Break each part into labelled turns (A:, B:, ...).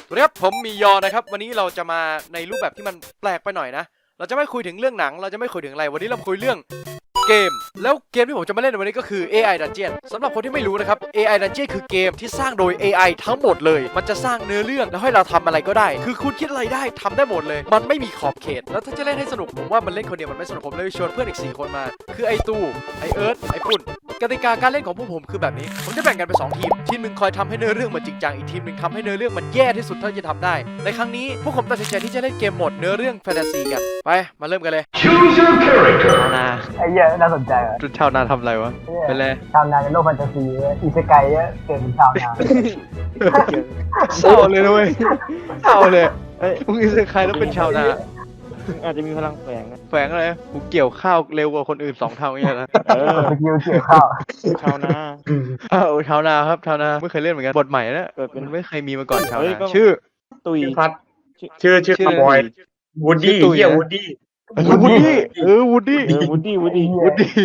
A: สวัสดีครับผมมียอนะครับวันนี้เราจะมาในรูปแบบที่มันแปลกไปหน่อยนะเราจะไม่คุยถึงเรื่องหนังเราจะไม่คุยถึงอะไรวันนี้เราคุยเรื่องเกมแล้วเกมที่ผมจะมาเล่นในวันนี้ก็คือ AI Dungeon สำหรับคนที่ไม่รู้นะครับ AI Dungeon คือเกมที่สร้างโดย AI ทั้งหมดเลยมันจะสร้างเนื้อเรื่องแล้วให้เราทำอะไรก็ได้คือคุณคิดอะไรได้ทำได้หมดเลยมันไม่มีขอบเขตแล้วถ้าจะเล่นให้สนุกผมว่ามันเล่นคนเดียวมันไม่สนุกผมเลยชวนเพื่อนอีก4 คนมาคือไอตู้ไอเอิร์ธไอปุ่นกติกาการเล่นของพวกผมคือแบบนี้ผมจะแบ่งกันเป็น2 ทีมทีมหนึ่งคอยทำให้เนื้อเรื่องมันจริงจังอีกทีมหนึ่งทำให้เนื้อเรื่องมันแย่ที่สุดเท่าที่จะทำได้ในครั้งนี้พวกผมตัดสินใจที่จะเล่นเกมโหมดเนื้อเรื่องแฟนตาซีกันไปมาเริ่มกันเลย
B: Choose your character.
C: นา
D: ไอ้เหี้ยน่าสนใจอ่ะ
C: จุดชาวนาทำอะไรวะ เป็นไร
D: ชาวนาในโลกแฟนตาซีอิเซไกเนี่ยเกิดเป็นชาวนา
C: เศร้าเลยนะเว้ยเศร้าเลย
E: เอ้ย
C: มึงอิสใครแล้วเป็นชาวนา
E: อาจจะมีพลังแฝงนะ
C: แฝงอะไรกูเกี่ยวข้าวเร็วกว่าคนอื่น2 เท่าเนี่ยนะ
E: เออ
D: สกิลเกี่ยวข้าว
E: ชาวนา
C: อ้าวชาวนาครับชาวนาไม่เคยเล่นเหมือนกันบทใหม่นะ
E: เกิดเป็น
C: มันไม่เคยมีมาก่อนชาว
E: เฮ้ย
C: นา
E: ก็
C: ชื่อ
E: ตุย
B: พัดชื่อคาร์บอยวูดดี้
C: ชื่อตุ๋ย
B: เฮีย
C: นะ
B: วูดดี้
C: วูดดี้วูดดี้
E: วูดดี้วูดดี้
C: วูดดี้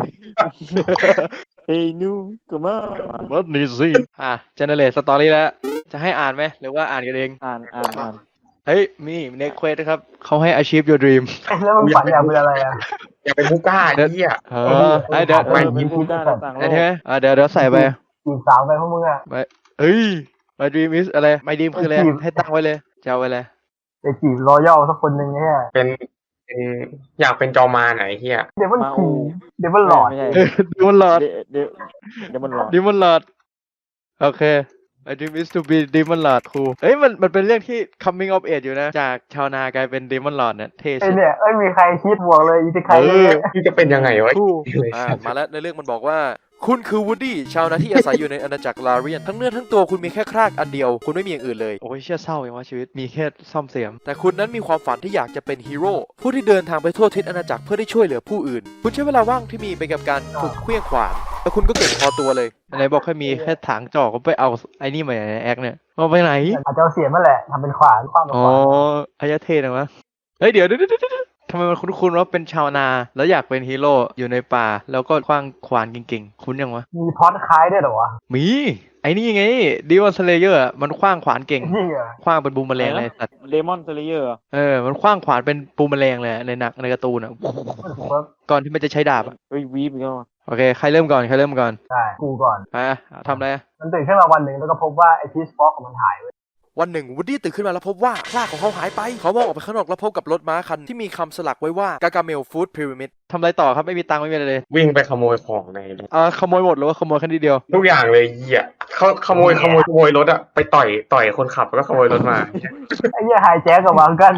E: เฮ้ยนูก็มา
C: วัดนี่สิเจเนเรตสตอรี่แล้วจะให้อ่านไหมหรือว่าอ่านกันเอง
E: อ่าน
C: เฮ้ยมีเน็กเควสครับเขาให้ achieve your dream
D: แล้วมึงฝันอยากเป็นอะไรอ่ะ
B: อยากเป็นผู้กล้าเฮีย
C: เดี๋ยว
E: เออเป็นผู้กล้าในต่างโล
C: ได้
E: ก
C: ใช่ไหมเดี๋ยวใส่ไป
D: จีบสาวไปพวกมึงอ่ะ
C: เอ้ย my dream is อะไร my dream คืออะไร
D: จีบ
C: ให้ตั้งไว้เลยจะเอาไว้เลย
D: จะจีบรอยัลสักคนหนึ่งเนี่ย
B: เป็นอยากเป็นจอมาไหนเฮีย
D: เดี๋ยวมัน
E: มา
D: ขี่
E: อู
D: เดี๋ยวมันหลอด
E: ไม่ใช่
C: ดิมอนลอด
E: เดี๋ยวมันหลอด
C: ดิมอนลอดโอเค my dream is to be demon lord ครูเอ้ยมันเป็นเรื่องที่ coming of age อยู่นะ จากชาวนากลายเป็น demon lord เนี่ยเท่
D: ไอ้
C: สุด
D: เนี่ยมีใครคิดบวกเลยอิเซไก
C: เอ
D: เนี่
C: อ
D: ย
B: ที่จะเป็นยังไงวะ
C: ครู
A: มาแล้วในเรื่องมันบอกว่าคุณคือวูดดี้ชาวนาที่อาศัยอยู่ในอาณาจักรลาเรียนทั้งเนื้อทั้งตัวคุณมีแค่ครากอันเดียวคุณไม่มีอย่างอื่นเลย
C: โอ้ยเชื่อเศร้าอย่างว่าชีวิตมีแค่ซ่อมเสียม
A: แต่คุณนั้นมีความฝันที่อยากจะเป็นฮีโร่ผู้ที่เดินทางไปทั่วทิศอาณาจักรเพื่อได้ช่วยเหลือผู้อื่น คุณใช้เวลาว่างที่มีไปกับการฝึกเคลื่องขวานแล้วคุณก็เก่งพอตัวเลย
C: ไหนบอกให้มีแค่ถางจอกก็ไปเอาไอ้นี่มาในแอคเนี่ยเอาไปไหน
D: อาจจะเอาเสียมมาแหละทำเป็นขวานความเป็น
C: อ๋อ
D: ขวาน
C: อายะเทนะวะเฮ้ยเดี๋ยวทำไมมันคุ้นๆว่าเป็นชาวนา แล้วอยากเป็นฮีโร่อยู่ในป่า แล้วก็คว้างขวานเก่งๆ คุ้นยังวะ
D: มีพล็อดคล้ายด้วยเหรอวะ
C: มี ไอ้นี่ไงดิวอนสเลเยอร์มันคว้างขวานเก่ง
D: จริงเหรอ
C: คว้างเป็นบูมแมลงเลยสัตว์
E: เลมอนเซเลเยอร์
C: มันคว้างขวานเป็นบูมแมลงเลยในหนักในการ์ตูนอ่ะ ก่อนที่มันจะใช้ดาบอ่ะ
E: เฮ้ยวีบอีกแล้วอะ
C: โอเค ใครเริ่มก่อน
D: ใช่กูก่อน
C: ไปทำอะไร
D: มันตื่นขึ้นมาวันหนึ่งแล้วก็พบว่าไอ้พีชฟ็อกของมันหายไป
A: วันหนึ่งวูดดี้ตื่นขึ้นมาแล้วพบว่าครากของเขาหายไปเขามองออกไปข้างนอกแล้วพบกับรถม้าคันที่มีคำสลักไว้ว่ากากาเมลฟู้ดพีระมิด
C: ทำอะไรต่อครับ ไม่มีตังค์ไม่มีอะไรเลย
B: วิ่งไปขโมยของใน
C: ขโมยหมดหรือว่าขโมยแค่นิดเดียว
B: ทุกอย่างเลยเฮียเขาขโมยรถอะไปต่อยคนขับแล้วก็ขโมยรถมา
D: ไอ้เหี้ยไฮแจ็คกับวางกัน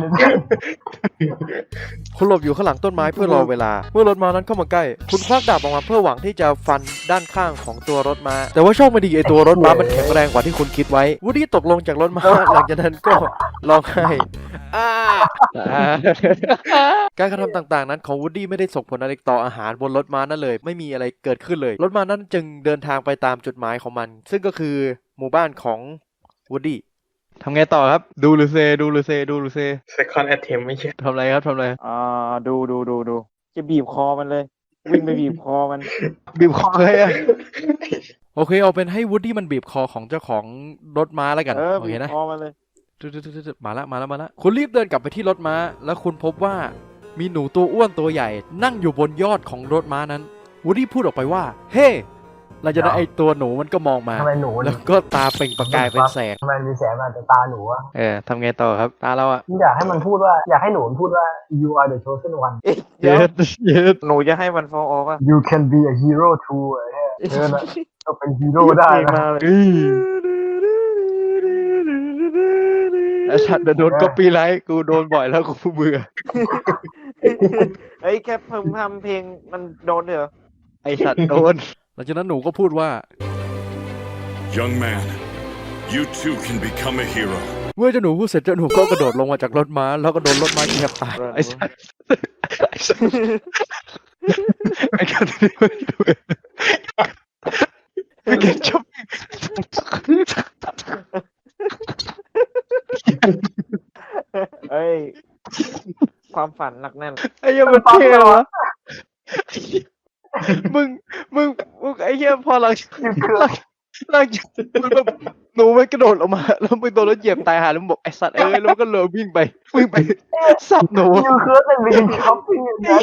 A: คุณหลบอยู่ข้างหลังต้นไม้เพื่อรอเวลา เมื่อรถม้านั้นเข้ามาใกล้ คุณควักดาบออกมาเพื่อหวังที่จะฟันด้านข้างของตัวรถม้า แต่ว่าโชคไม่ดีไอตัวรถม้ามันแข็งแรงกว่าที่คุณคิดไว้วูดดี้ตกลงจากรถม้า หลังจากนั้นก็ร้องไห้อ่าการกระทำต่างๆนั้นของวูดดี้ไม่ได้ส่งผลอะไรต่ออาหารบนรถม้านั้นเลยไม่มีอะไรเกิดขึ้นเลยรถม้านั้นจึงเดินทางไปตามจุดหมายของมัน ซึ่งก็คือหมู่บ้านของวูดดี้
C: ทำไงต่อครับ ดูหรือเซ
B: second attempt ไม่ใช่
C: ทำอะไรครับทำอะไร
E: ดูจะบีบคอมันเลย วิ่งไปบีบคอมัน
C: บีบคอเลยอะ
A: โอเคเอาเป็นให้วูดดี้มันบีบคอของเจ้าของรถม้าแล้วกัน โอ
E: บี
A: เค
E: บ
A: นะ
E: คอมันเลย
A: มาละคุณรีบเดินกลับไปที่รถม้า แล้วคุณพบว่ามีหนูตัวอ้วนตัวใหญ่ นั่งอยู่บนยอดของรถม้านั้นวูดดี้พูดออกไปว่า เฮ้หลังจากนั้นไอตัวหนูมันก็มองมา
D: ทำไมหนู
A: แล้วก็ตาเปล่งประกายเป็นแสง
D: ทำไมมีแสงมาแต่ตาหนูอะ
C: ทำไงต่อครับ ตาเราอะ
D: อยากให้มันพูดว่าอยากให้หนูมันพูดว่า you are the chosen one
E: เดี๋ยว
C: เย็ด
E: หนูจะให้มันฟอลออกอ่ะ
D: you can be a hero too ไอ้เหี้ยเธอน่ะต้องเป็นฮีโร่ได้
E: เพลง
D: นะ
E: มาเลย
C: ไอสัตว์โดนก็ปีไลท์กูโดนบ่อยแล้วกูเบื่อ
E: เฮ้ยแค่เพิ่มทำเพลงมันโดนเหรอ
C: ไอสัตว์โดน
A: หลังจากนั้นหนูก็พูดว่า
F: Young man, you too can become a hero.
A: เมื่อเจ้าหนูพูดเสร็จเจ้าหนูก็กระโดดลงมาจากรถม้า แล้วก็โดนรถม้าเหยียบตาย
C: ไอสัตว์ไอการที่ไม่ดูไม่เก็ตชอบ
E: เอ้ย ความฝันหนักแน่น
C: ไอ้เหี้ยมันเท่เหรอวะมึงไอ้เหี้ยพอหลังจากมันแบบหนูมันกระโดดออกมาแล้วมึงโดนรถเหยียบตายหาแล้วมึงบอกไอ้สัตว์แล้วมันก็เลยวิ่งไปสับหนู
D: ยูเคิร์ดเป็นบินช็อปปิ้งนะ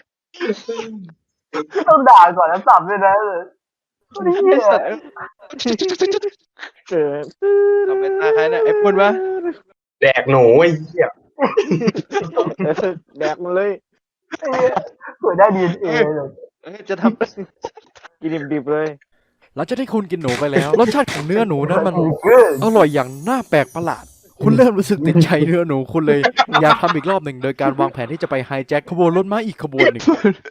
D: ต้องด่าก่อนแล้วสับด้วยนะเลย
C: ไอ้สัตว์
E: เออ
C: ทำไมตาใครเนี่ยไอ้ปุ่นวะ
B: แดกหนูไอ้เหี้ย
E: แดกมันเลย
D: เผื่อได้ดีเอเลย
C: จะทำ
E: กินดิบๆเลย
A: หลังจากที่คุณกินหนูไปแล้ว รสชาติของเนื้อหนูนั้นมัน
D: เกิน
A: อร่อยอย่างน่าแปลกประหลาด คุณเริ่มรู้สึกติดใจเนื้อหนูคุณเลยอยากทำอีกรอบหนึ่งโดยการวางแผนที่จะไปไฮแจ็คขบวนรถม้าอีกขบวนหนึ่ง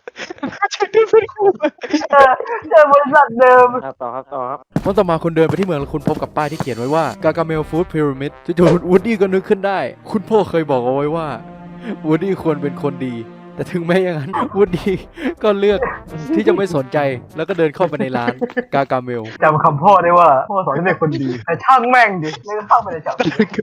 D: เจอบริษัทเดิม
E: ต่อครับต่อครับ
A: วันต่อมาคุณเดินไปที่เมืองแล้วคุณพบกับป้ายที่เขียนไว้ว่ากากาเมลฟู้ดพีระมิดจู่ๆวูดดี้ก็นึกขึ้นได้ คุณพ่อเคยบอกเอาไว้ว่าวูดดี้ควรเป็นคนดี แต่ถึงแม้อย่างนั้นวูดดี้ก็เลือกที่จะไม่สนใจแล้วก็เดินเข้าไปในร้านกากาเมล
D: จำคำพ่อได้ว่าพ่อสอนให้เป็นคนดีแต่ช่างแม่งดิไม่เข้าไปในจับ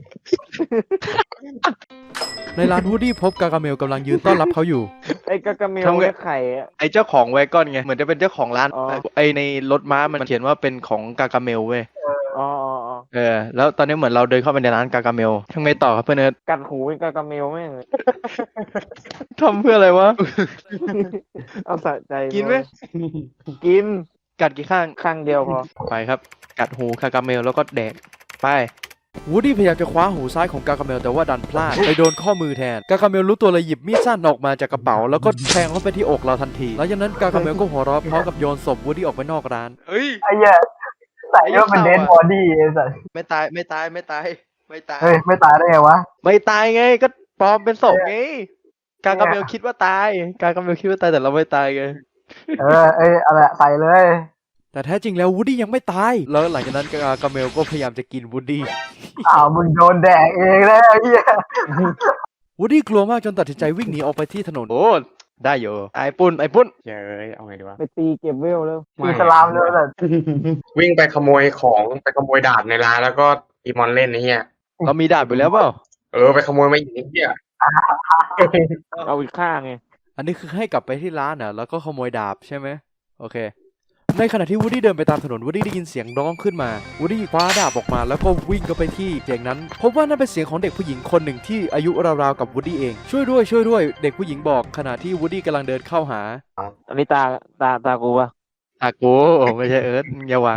A: ในร้านวูดดี้พบกากาเมลกำลังยืนต้อนรับเขาอยู่
E: ไอ้กากาเมล
C: ทำไง
E: เนี่ยไข่อะ
C: ไอ้เจ้าของแวกอนไงเหมือนจะเป็นเจ้าของร้าน
E: อ๋อ
C: ไอ้ในรถม้ามันเขียนว่าเป็นของกากาเมลเว้ย
E: อ๋อ
C: แล้วตอนนี้เหมือนเราเดินเข้าไปในร้านกากาเมลทำไงต่อครับเพื่อนเอิร์ธ
E: กัดหูเป็นกากาเมลแม่ง
C: ทำเพื่ออะไรวะ
E: เอาสะใจ
C: กินไหม
E: กิน
C: กัดกี่ข้าง
E: ข้างเดียวพอ
C: ไปครับ กัดหูกากาเมลแล้วก็แดกไป
A: วูดดี้พยายามจะคว้าหูซ้ายของกากาเมลแต่ว่าดันพลาดไปโดนข้อมือแทนกากาเมลรู้ตัวเลยหยิบมีดสั้นออกมาจากกระเป๋าแล้วก็แทงเข้าไปที่อกเราทันทีหลังจากนั้นกากาเมลก็หัวเราะพร้อมกับโยนศพวูดดี้ออกไปนอกร้าน
C: เฮ้ย
D: ไอ้เหี้ยใส่ก็เป็นเดนบอดี้ไอ้สัส
C: ไม่ตาย
D: เฮ้ยไม่ตายได้ไงวะ
C: ไม่ตายไงก็ปลอมเป็นศพไงกากาเมลคิดว่าตายกากาเมลคิดว่าตายแต่เราไม่ตายไง
D: อะไรใส่เลย
A: แต่แท้จริงแล้ววูดดี้ยังไม่ตายแล้วหลังจากนั้นกากาเมลก็พยายามจะกินวูดดี้
D: มึงโดนแดกเองแล้วไอ้เหี้ย
A: วูดดี้กลัวมากจนตัดสินใจวิ่งหนีออกไปที่ถนน
C: โอ้ได้อยู่ไอ้ปุ้น
B: เย้ยเอาไงดีวะ
E: ไปตีเก็บเวลแล้ว
D: อิสลามเลยแต่
B: วิ่งไปขโมยของไปขโมยดาบในร้านแล้วก็อีมอนเล่นไอ้เหี้ย
C: เรามีดาบอยู่แล้วเปล่า
B: ไปขโมยมาอีกไอ้เหี้ย
E: เอาอีกข้างไง
A: อันนี้คือให้กลับไปที่ร้านน่ะแล้วก็ขโมยดาบใช่ไหมโอเค ในขณะที่วูดดี้เดินไปตามถนนวูดดี้ได้ยินเสียงร้องขึ้นมาวูดดี้คว้าดาบออกมาแล้วก็วิ่งเข้าไปที่เสียงนั้นพบว่านั่นเป็นเสียงของเด็กผู้หญิงคนหนึ่งที่อายุราวๆกับวูดดี้เองช่วยด้วยเด็กผู้หญิงบอกขณะที่วูดดี้กำลังเดินเข้าหา
E: อันนี้ตากูปะ
C: อากูไม่ใช่เอิร์ธอย่าวาง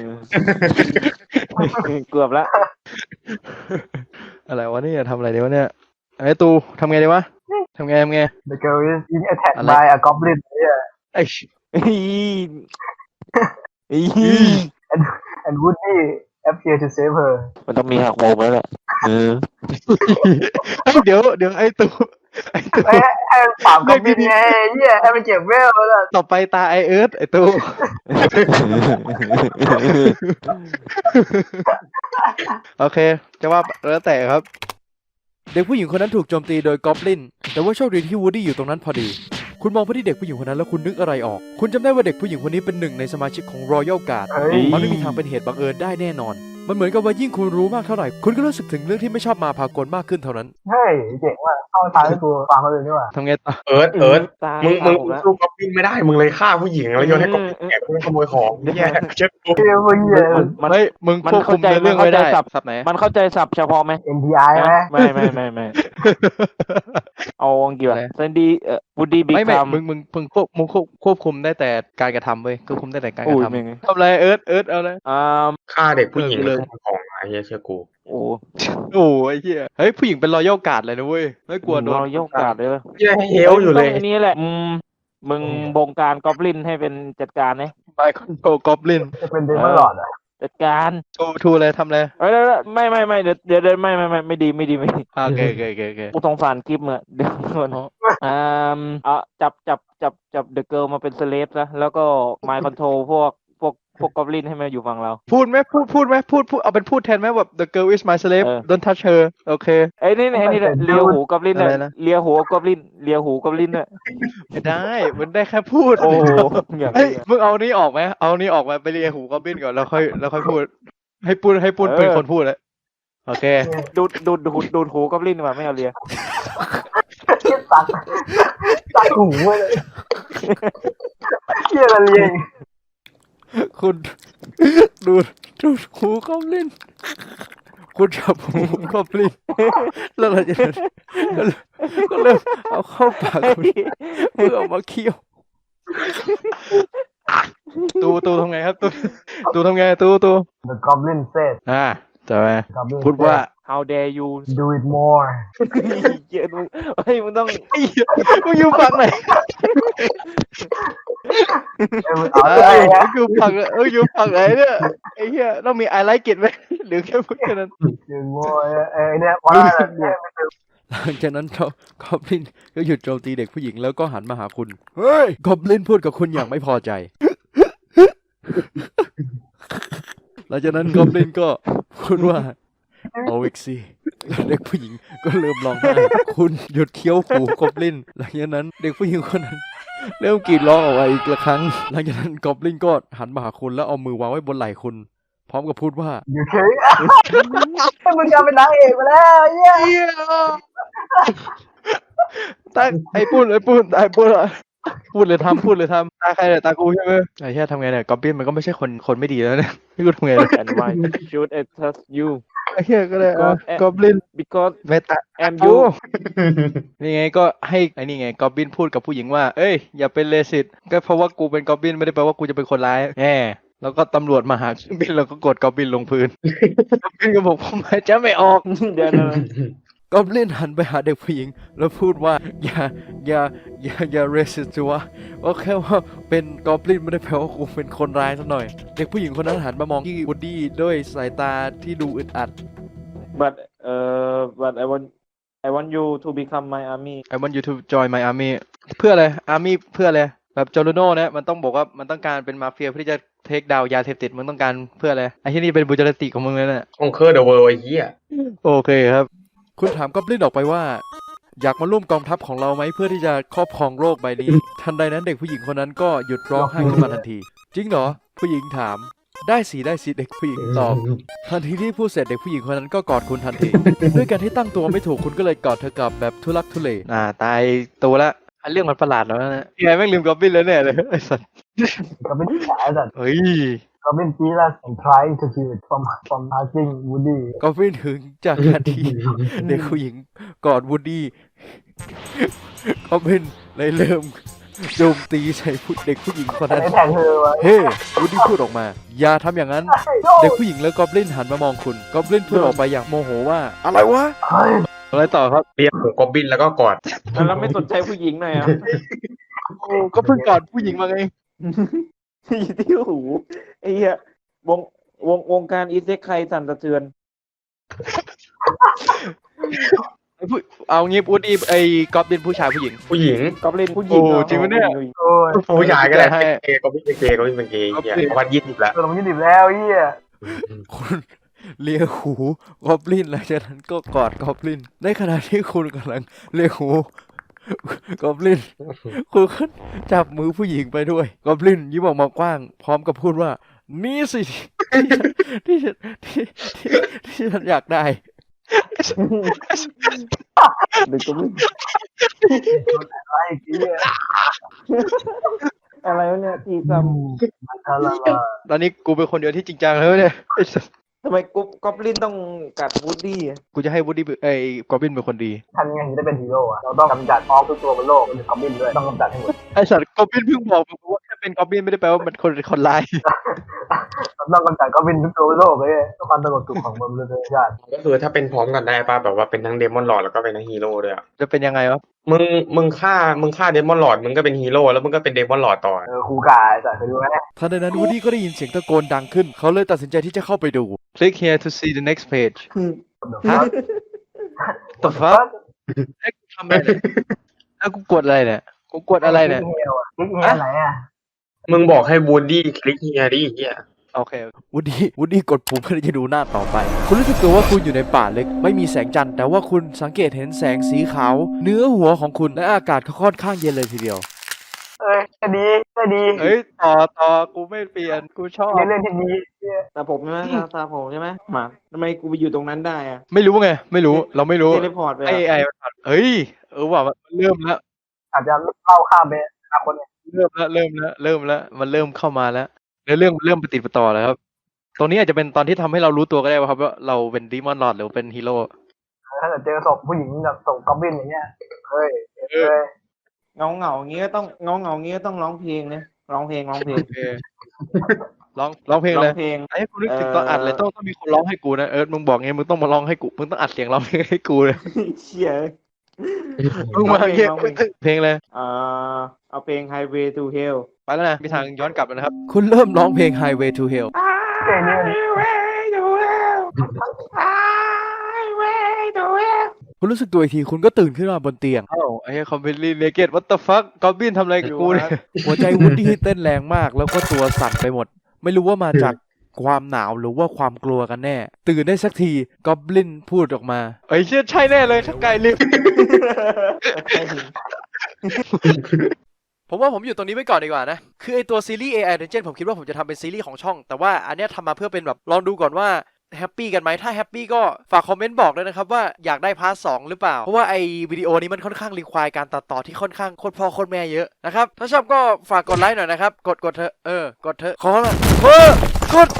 E: เกือบแล้ว
C: อะไรวะเนี่ยทำอะไรดีวะเนี่ยไอ้ตูทำไงดีวะทำไง
D: The girl is being attacked
C: อะไร
D: by a goblin เนี่ย
C: ไอ้
D: and Woody appear to save her
E: มันต้องมีหักมุมแล้วแหละ
C: เดี๋ยวไอ้ตู
D: ให้มันปราบ goblin ไงเหี้ยให้มันเก็บเวลแล้ว
C: ต่อไปตาไอเอิร์ธไอ้ตู โอเคจะว่าแล้วแต่ครับ
A: เด็กผู้หญิงคนนั้นถูกโจมตีโดยกอบลินแต่ว่าโชคดีที่วูดดี้อยู่ตรงนั้นพอดีคุณมองไปที่เด็กผู้หญิงคนนั้นแล้วคุณนึกอะไรออกคุณจำได้ว่าเด็กผู้หญิงคนนี้เป็นหนึ่งในสมาชิกของ Royal Guard
D: เฮ้ย
A: มันไม่มีทางเป็นเหตุบังเอิญได้แน่นอน มันเหมือนกับว่ายิ่งคุณรู้มากเท่าไหร่คุณก็รู้สึกถึงเรื่องที่ไม่ชอบมาพากลมากขึ้นเท่านั้น
D: เฮ้ยเจ๋งว่ะเข้าทางให้กูฟังเขาเลยนี่ว่ะ
C: ทำไงต่อ
B: เอิร์ธ
E: ตา
B: มึง
E: ผมแล้ว
B: สู้ก๊อปปิ้งไม่ได้มึงเลยฆ่าผู้หญิงแล้วโยนให้ก๊อปปิ้งแอบไปขโมยของแย่เจ็บกู
D: เฮ้ยมึงเหี้ย
C: เฮ้ยมึงควบคุมในเรื่องไม่ได้สับไหน
E: มันเข้าใจศัพท์เฉพาะไหม
D: NTI ไหม
E: ไม่ เอาอังกฤษเซนดี้วูดดี้บิ๊ก
C: ไม่
E: คัม
C: มึงควบคุมได้แต่การกระทำเว้ยควบคุมได้แต่การก
E: อุ้
C: ระ
E: ย
C: ทำ
E: มึง
C: ทำอะไรเอิร์ธเอาเลย
B: ฆ่าเด็กผู้หญิง
C: เล
B: แล้ว
C: ย
B: ขโมยของไอ้เหี้ยเชื่อกู
E: โอ้
C: โอ้ยเหี้ยเฮ้ยผู้หญิงเป็นรอยัลการ์ดเลยนะเว้ยไม่กลัวโดน
E: เรายกการ์ดเลย
B: เหี้ยให้เฮลอยู่เลย
E: อันนี้แหละมึงบงการกอบลินให้เป็นจัดการนะ
C: ไมคอนโทรกอบลิน
D: จะเป็นเดมอนหลอดอ่ะ
E: จัดการ
C: ทูอะไรทำอะไร
E: เอ้ยไม่เดี๋ยวไม่ดี
C: โอเค
E: กูสงสารคลิปมึงเดี๋ยวก่อนจับเดอะเกิร์ลมาเป็นสเลฟนะแล้วก็ไมค์คอนโทรพวกกอบลินให้มาอยู่ฝั่งเรา
C: พูดไหมพูดเอาเป็นพูดแทนไหมแบบ the girl is my slave don't touch her โอเค
E: ไอ้นี่เลียหูกอบลิน
C: อะไร
E: น่ะ
C: นะ
E: เลียหูกอบลินเลียหูกอบลินน่ะ
C: ไม่ได้มันได้แค่พูด
E: โอ้อย่าง
C: เฮ้ย
E: นี้
C: มึงเอานี้ออกไหมเอานี้ออกมาไปเรียหูกอบลินก่อนแล้วค่อยพูดให้ปุ้นเป็นคนพูดเลยโอเค
E: ดูดหูกอบลินมาไม่เอาเลีย
D: ตัดหูเลยเหี้ยละเลียง
A: คุณดูดหูกอบลินคุณจับหูกอบลินแล้วเราจะก็เริ่มเอาเข้าปากคุณเพื่อเอามาเคี้ยว
C: ตูทำไงครับตูทำไงตู
D: The Goblin said
C: จะไป
D: Goblin
C: พูดว่า
E: How dare you
D: do it more
E: เหี้ยมึงเฮ้ยมึงต้อง
C: ไอ้เหี้ยมึงอยู่ฝั่งไหน
D: เอาเลย
C: มึงอยู่ฝั่งอยู่ฝั่งไหนเนี่ยไอ้เหี้ยต้องมี I like it ไหมหรือแค่พูดแค่นั้น
D: do it more เนี่ยว่าเนี่ย
A: หลังจากนั้นกอบลินก็หยุดโจมตีเด็กผู้หญิงแล้วก็หันมาหาคุณ เฮ้ย กอบลินพูดกับคุณอย่างไม่พอใจ หลังจากนั้นกอบลินก็พูดว่าเอาอีกสิเด็กผู้หญิงก็เริ่มร้องไห้คุณหยุดเคี้ยวหูกอบลิน หลังจากนั้นเด็กผู้หญิงคนนั้น เริ่มกรีดร้องออกมาอีกครั้ง หลังจากนั้นกอบลินก็หันมาหาคุณแล้วเอามือวางไว้บนไหล่คุณ พร้อมกับพูดว่า
D: อยู่เฉยมึงจะเป็นนางเอกไปแล้วเหี้ย
C: ตาไอ้พูดเลยพูดพูดเลยทำตาใครเนี่ยตากูใช่ไหมไอ้เหี้ยทำไงเนี่ยกอบบินมันก็ไม่ใช่คนไม่ดีแล้วเนี่ยพี่กูทำไงเนี่ย
E: and why should I trust you
C: ไอ้เหี้ยก็เลย
E: Because-
C: กอบลิน
E: because
C: ไม่ตา
E: I'm
C: โอ้
E: you
C: นี่ไงก็ให้ไอ้นี่ไงกอบบินพูดกับผู้หญิงว่าเอ้ยอย่าเป็นเลสิตก็เพราะว่ากูเป็นกอบบินไม่ได้แปลว่ากูจะเป็นคนร้ายแล้วก็ตำรวจมาหากอบบินแล้วก็กดกอบบินลงพื้นกอบบินก็บอกผมหายใจไม่ออก
E: เดี๋ยว
A: กอบลินหันไปหาเด็กผู้หญิง แล้วพูดว่าอย่าเรสิตวะก็แค่ว่าเป็นกอบลินไม่ได้แปลว่ากูเป็นคนร้ายสักหน่อย เด็กผู้หญิงคนนั้นหันมามองที่วูดดี้ด้วยสายตาที่ดูอึดอัด
E: but I want you to become my army
C: I want you to join my army เพื่ออะไร army เพื่ออะไรแบบโจโรโน่เนี่ยมันต้องบอกว่ามันต้องการเป็นมาเฟียเพื่อที่จะเทคดาวยาเสพติดมึงต้องการเพื่ออะไรไอ้ที่นี่เป็นบุจริตของมึงเลยเนี่ย
B: Conquer the world ไอ้เหี้ย
C: โอเคครับ
A: คุณถามกอบลินออกไปว่า อยากมาร่วมกองทัพของเราไหมเพื่อที่จะครอบครองโลกใบนี้ ทันใดนั้นเด็กผู้หญิงคนนั้นก็หยุดร้องไห้ขึ้นมาทันที จริงเหรอ ผู้หญิงถาม ได้สิเด็กผู้หญิงตอบ ทันทีที่พูดเสร็จเด็กผู้หญิงคนนั้นก็กอดคุณทันที ด้วยการที่ตั้งตัวไม่ถูกคุณก็เลยกอดเธอกลับแบบทุลักทุเล
C: ตายตัวละเรื่องมันประหลาดแล้วนะยังไงแม่งลืมกอบบินแล้วเนี่ยเลยไอ้สัส
D: Goblin แฉสัตว์
C: เฮ้ย
D: Goblin jealous and trying to kill it from hugging Woody
A: ก็ไม่ถึงจากการที่ เด็กผู้หญิงกอดวูดดี้ ก็เป็นเลยเริ่มโจมตีใส่เด็กผู้หญิงคนนั้น
D: ไอ้แทงเธอวะ
A: เฮ้วูดดี้พูดออกมา อย่าทำอย่างนั้น เด็กผู้หญิงแล้วกอบลินหันมามองคุณกอบลินพูดออกไปอย่างโมโหว่า อะไรวะ
D: เฮ้ย
C: อะไรต่อครับ
B: เรียกหูกอบบินแล้วก็กอด
E: แล้วไม่สนใจผู้หญิงหน่อยอ่ะ
C: ก็เพิ่งกอดผู้หญิงมาไง
E: อยู่ที่หูไอ้เหี้ยวงการอีเซ็กใครสั่นสะเทือน
C: เอางี้วูดดี้ไอ้กอบบินผู้ชายผู้หญิง
B: ผู้หญิง
E: กอบลินผู้หญิง
C: โอ้จริงปะเนี่ย
D: โอ้ย
B: ผู้ชายก็ได้
C: ให้
B: เกย์กอบบินเป็นเกย์กอบบินเป็นเกย์เหี้ยวัด20แล้ว
D: ตัวมัน20แล้วเหี้ย
A: คุณเลียหูกอบลินหลังจากนั้นก็กอดกอบลินในขณะที่คุณกำลังเลียหูกอบลินคุณก็จับมือผู้หญิงไปด้วยกอบลินยิ้มออกมากว้าง พร้อมกับพูดว่า นี่สิที่ฉันอยากได้
E: เด็กก็ไม่
D: ไอ้เหี้ย
E: อะไรวะเนี่ยตีซ้
D: มันทะละ
C: ตอนนี้กูเป็นคนเดียวที่จริงจังแล้วเนี่ยไอ้สัส
E: ำทำไมกอบลินต้องกัดวูดดี้อะ
C: กูจะให้วูดดี้ไอ้กอบบินเป็นคนดี
D: ทำยังไงถึงได้เป็นฮีโร่อะเราต้องกำจัดออกทุกตัวบนโลกเป็นคอมบินด้วยต้องกำจัดให้หมด
C: ไอ้สัตว์กอบบินเพิ่งบอกมึงว่าแค่เป็นกอบบินไม่ได้แปลว่ามันคนร้าย
D: เราต้องกำจัดคอมบินทุกตัวบนโลกเลยเพื่อความสงบสุขของมนุษยชาติ
B: ก็คือถ้าเป็นพร้อมกันได้ป่ะแบบว่าเป็นทั้งเดมอนลอร์ดแล้วก็เป็นทั้งฮีโร่ด้วยอ่ะ
C: จะเป็นยังไงวะ
B: มึงฆ่าเดมอนลอร์ดมึงก็เป็นฮีโร่แล้วมึงก็เป็นเดมอนลอร์ดต่อ
D: ครูกายแต่เคยดูไหม
A: ทันใดนั้นวูดดี้ก็ได้ยินเสียงตะโกนดังขึ้น เขาเลยตัดสินใจที่จะเข้าไปดู
C: Click here to see the next page
D: ฮะ
C: the fuck ไอ้กูทำอะไรเนี่ยไอ้กูกดอะไรเนี่ยกูกดอะไรเนี่ย
D: คลิกเฮียไหนอ่ะ
B: มึงบอกให้วูดดี้คลิกเฮียดิเฮีย
C: โอเค
A: วูดดี้กดปุ่มเพื่อที่จะดูหน้าต่อไป คุณรู้สึกตัวว่าคุณอยู่ในป่าเล็ก ไม่มีแสงจันทร์แต่ว่าคุณสังเกตเห็นแสงสีขาวเนื้อหัวของคุณและอากาศก็ค่อนข้างเย็นเลยทีเดียว
D: เอ้ยก็ดี
C: เฮ้ยต่อกูไม่เปลี่ยนกูชอบ
D: ในเรื่องที่ดี
E: ตาผมใช่ไหมตาผมใช่ไหมหมาทำไมกูไปอยู่ตรงนั้นได้อะ
C: ไม่รู้ไงไม่รู้เราไม่รู้
E: เทเลพอร์ตไป
C: ไอ้
E: อะ
C: เฮ้ยว่ามันเริ่มแล้ว
D: อาจจะเล่าข้ามไปอนาคตเนี่ย
C: มันเริ่มเข้ามาแล้วเรื่องเริ่มปฏิดปะต่อแล้วครับตรงนี้อาจจะเป็นตอนที่ทำให้เรารู้ตัวก็ได้ว่าครับว่าเราเป็นดีมอนลอร์ดหรือเป็นฮีโร่
D: ถ้าเจอศพผู้หญิงแบบศพกอบบินอย่างเงี้ยเฮ้ยเฮ้ย
E: เงาอย่างงี้ก็ต้องงี้ก็ต้องร้องเพลงนะร้องเพลง
C: โอเคร้องเพลง
E: ร้อ
C: เล
E: ง
C: ย
E: เพลง
C: ไอ้กูนึกถึงตอนอัดเลยต้องมีคนร้องให้กูนะมึงบอกไงมึงต้องมาร้องให้กูมึงต้องอัดเสียงร้องเพลงให้กูเลย
E: เชี่ย
C: มึงมาเงี้ย
E: ร้องเพลง
C: เพลงเลย
E: เอาเพลง Highway to Hell
C: ไปแล้วนะมีทางย้อนกลับแล้วนะครับ
A: คุณเริ่มร้องเพลง Highway to Hell
D: เจนี่
A: คุณรู้สึกตัวอีกทีคุณก็ตื่นขึ้นมาบนเตียง
C: เอ้าไอ้คอมเพลลีเนเกตวัตเตอร์ฟัคกอบบินทำอะไรกับกูเนี่ย
A: หัวใจวูดดี้เต้นแรงมากแล้วก็ตัวสั่นไปหมด ไม่รู้ว่ามาจากความหนาวหรือว่าความกลัวกันแน่ ตื่นได้สักทีกอบลินพูดออกมา
C: ไอ้เชี่ยใช่แน่เลยถ้าไกลลิฟ
A: ผมว่าผมอยู่ตรงนี้ไว้ก่อนดีกว่านะ คือไอตัวซีรีส์ AI Dungeon ผมคิดว่าผมจะทำเป็นซีรีส์ของช่อง แต่ว่าอันเนี้ยทำมาเพื่อเป็นแบบลองดูก่อนว่าแฮปปี้กันไหมถ้าแฮปปี้ก็ฝากคอมเมนต์บอกด้วยนะครับว่าอยากได้พาร์ท2หรือเปล่า เพราะว่าไอวิดีโอนี้มันค่อนข้างรีควายการตัดต่อที่ค่อนข้างโคตรพ่อโคตรแม่เยอะนะครับ ถ้าชอบก็ฝากกดไลค์หน่อยนะครับ กดเถอะกดเถอะขอละกด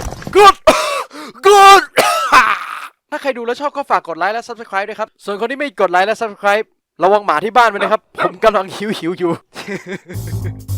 A: ถ้าใครดูแล้วชอบก็ฝากกดไลค์และ Subscribe ด้วยครับ ส่วนคนที่ไม่กดไลค์และ Subscribe ระวังหมาที่บ้านไว้นะครับ ผมกำลังหิวอยู่